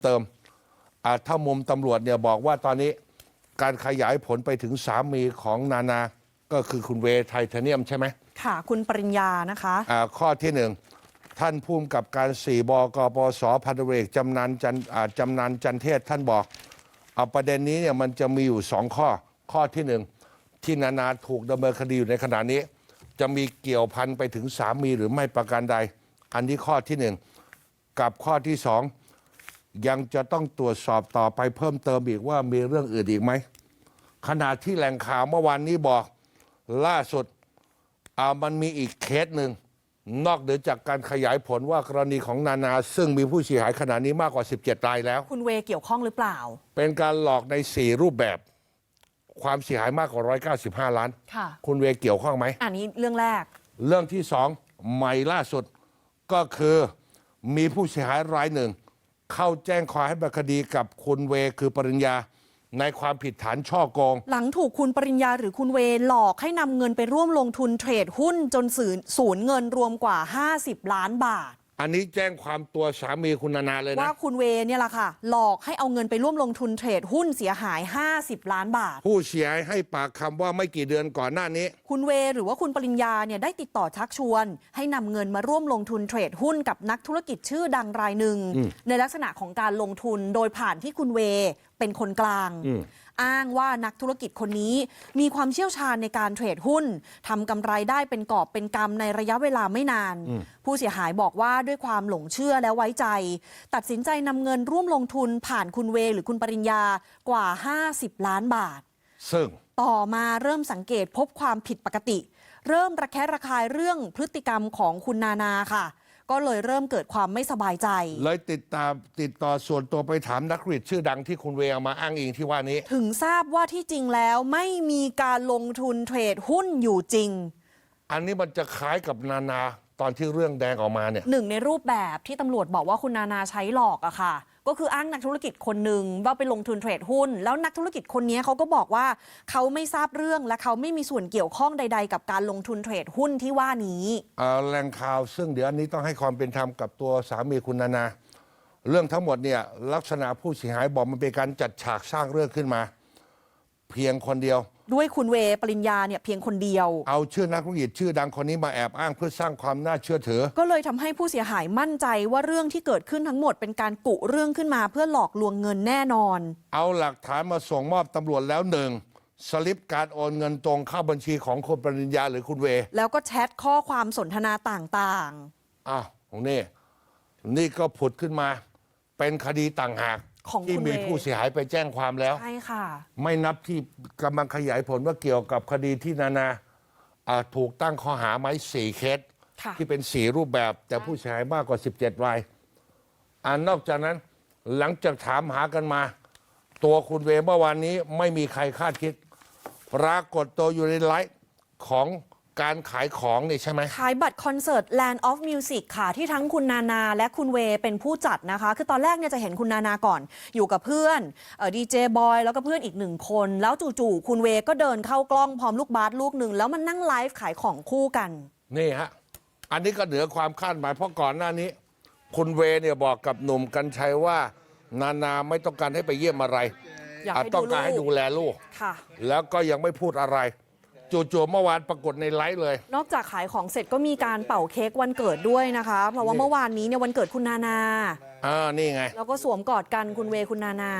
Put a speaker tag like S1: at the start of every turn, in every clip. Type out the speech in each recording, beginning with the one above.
S1: เติมถ้ามุมตำรวจเนี่ยบอกว่าตอนนี้การขยายผลไปถึงสามีของนานาก็คือคุณเวย์ไทเทเนียมใช่ไหม
S2: ค่ะคุณปริญญานะคะ
S1: ข้อที่หนึ่งท่านผู้กำกับการ4 บกปส.พันตำรวจเอกจำนันจันเทศท่านบอกประเด็นนี้เนี่ยมันจะมีอยู่2ข้อที่หนึ่งที่นานาถูกดำเนินคดีอยู่ในขณะนี้จะมีเกี่ยวพันไปถึงสามีหรือไม่ประการใดอันนี้ข้อที่หนึ่งกับข้อที่สองยังจะต้องตรวจสอบต่อไปเพิ่มเติมอีกว่ามีเรื่องอื่นอีกไหมขณะที่แหล่งข่าวเมื่อวานนี้บอกล่าสุดมันมีอีกเคสหนึ่งนอกเหนือจากการขยายผลว่ากรณีของนานาซึ่งมีผู้เสียหายขณะนี้มากกว่า17 รายแล้ว
S2: คุณเวย์เกี่ยวข้องหรือเปล่า
S1: เป็นการหลอกใน4 รูปแบบความเสียหายมากกว่า195 ล้าน
S2: ค่ะ
S1: คุณเวย์เกี่ยวข้องไหม
S2: อันนี้เรื่องแรก
S1: เรื่องที่สองใหม่ล่าสุดก็คือมีผู้เสียหายรายหนึ่งเข้าแจ้งความให้ดำเนินคดีกับคุณเวย์คือปริญญาในความผิดฐานฉ้อโกง
S2: หลังถูกคุณปริญญาหรือคุณเวย์หลอกให้นำเงินไปร่วมลงทุนเทรดหุ้นจนสูญเงินรวมกว่า50 ล้านบาท
S1: อันนี้แจ้งความตัวสามีคุณนานาเลยนะ
S2: ว่าคุณเวย์เนี่ยแหละค่ะหลอกให้เอาเงินไปร่วมลงทุนเทรดหุ้นเสียหาย50 ล้านบาท
S1: ผู้เสียหายให้ปากคำว่าไม่กี่เดือนก่อนหน้านี้
S2: คุณเวย์หรือว่าคุณปริญญาเนี่ยได้ติดต่อชักชวนให้นำเงินมาร่วมลงทุนเทรดหุ้นกับนักธุรกิจชื่อดังรายหนึ่งในลักษณะของการลงทุนโดยผ่านที่คุณเวย์เป็นคนกลางอ้างว่านักธุรกิจคนนี้มีความเชี่ยวชาญในการเทรดหุ้นทำกำไรได้เป็นกอบเป็นกำในระยะเวลาไม่นานผู้เสียหายบอกว่าด้วยความหลงเชื่อและไว้ใจตัดสินใจนำเงินร่วมลงทุนผ่านคุณเวย์หรือคุณปริญญากว่า50 ล้านบาท
S1: ซึ่ง
S2: ต่อมาเริ่มสังเกตพบความผิดปกติเริ่มระแคะระคายเรื่องพฤติกรรมของคุณนานาค่ะก็เลยเริ่มเกิดความไม่สบายใจ
S1: เลยติดต่อส่วนตัวไปถามนักธุรกิจชื่อดังที่คุณเวย์เอามาอ้างอิงที่ว่านี้
S2: ถึงทราบว่าที่จริงแล้วไม่มีการลงทุนเทรดหุ้นอยู่จริง
S1: อันนี้มันจะคล้ายกับนานาตอนที่เรื่องแดงออกมาเนี่ย
S2: หนึ่งในรูปแบบที่ตำรวจบอกว่าคุณนานาใช้หลอกอะค่ะก็คืออ้างนักธุรกิจคนหนึ่งว่าไปลงทุนเทรดหุ้นแล้วนักธุรกิจคนนี้เขาก็บอกว่าเขาไม่ทราบเรื่องและเขาไม่มีส่วนเกี่ยวข้องใดๆกับการลงทุนเทรดหุ้นที่ว่านี้
S1: แหล่งข่าวซึ่งเดี๋ยวอันนี้ต้องให้ความเป็นธรรมกับตัวสามีคุณนานาเรื่องทั้งหมดเนี่ยลักษณะผู้เสียหายบอกมันเป็นการจัดฉากสร้างเรื่องขึ้นมาเพียงคนเดียว
S2: ด้วยคุณเวย์ปริญญาเนี่ยเพียงคนเดียว
S1: เอาชื่อนักธุรกิจชื่อดังคนนี้มาแอบอ้างเพื่อสร้างความน่าเชื่อถือ
S2: ก็เลยทำให้ผู้เสียหายมั่นใจว่าเรื่องที่เกิดขึ้นทั้งหมดเป็นการกุเรื่องขึ้นมาเพื่อหลอกลวงเงินแน่นอน
S1: เอาหลักฐานมาส่งมอบตำรวจแล้วหนึ่งสลิปการโอนเงินตรงเข้าบัญชีของคุณปริญญาหรือคุณเวย์
S2: แล้วก็แชทข้อความสนทนาต่าง
S1: ๆของนี่ก็ผุดขึ้นมาเป็นคดีต่างหากที่มีผู้เสียหายไปแจ้งความแล้ว
S2: ใช่ค่ะ
S1: ไม่นับที่กำลังขยายผลว่าเกี่ยวกับคดีที่นานาถูกตั้งข้อหาไหม4 เคสที่เป็น4 รูปแบบแต่ผู้เสียหายมากกว่า17 รายนอกจากนั้นหลังจากถามหากันมาตัวคุณเวย์เมื่อวานนี้ไม่มีใครคาดคิดปรากฏตัวอยู่ในไลฟ์ของการขายของนี่ใช่ไหม
S2: ขายบัตรคอนเสิร์ต Land of Music ค่ะที่ทั้งคุณนานาและคุณเวย์เป็นผู้จัดนะคะคือตอนแรกเนี่ยจะเห็นคุณนานาก่อนอยู่กับเพื่อนดีเจบอยแล้วก็เพื่อนอีก1 คนแล้วจู่ๆคุณเวย์ก็เดินเข้ากล้องพร้อมลูกบาสลูกหนึ่งแล้วมันนั่งไลฟ์ขายของคู่กัน
S1: นี่ฮะอันนี้ก็เหนือความคาดหมายเพราะก่อนหน้านี้คุณเวย์เนี่ยบอกกับหนุ่มกรรชัยว่านานาไม่ต้องการให้ไปเยี่ยมอะไรต้องการให้ดูแลลูกแล้วก็ยังไม่พูดอะไรจู่ๆเมื่อวานปรากฏในไลฟ์เลย
S2: นอกจากขายของเสร็จก็มีการเป่าเค้กวันเกิดด้วยนะคะเพราะว่าเมื่อวานนี้เนี่ยวันเกิดคุณนานา
S1: นี่ไง
S2: แล้วก็สวมกอดกันคุณเวย์คุณนานา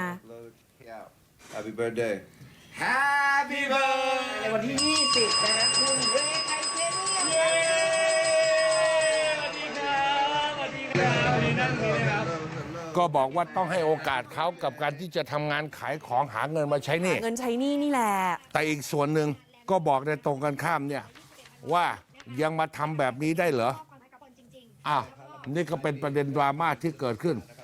S3: Happy birthday Happy birthday
S2: ในวันที่20นะคุณเวย์ไทเทเนียม
S3: สวัสดีครับสวัสดีครับวันนี้นั่งนี่นะครับ
S1: ก็บอกว่าต้องให้โอกาสเขากับการที่จะทำงานขายของหาเงินมาใช้หนี้
S2: เงินใช้หนี้นี่แหละ
S1: แต่อีกส่วนหนึ่งก็บอกในตรงกันข้ามเนี่ยว่ายังมาทำแบบนี้ได้เหรอนี่ก็เป็นประเด็นดราม่าที่เกิดขึ้น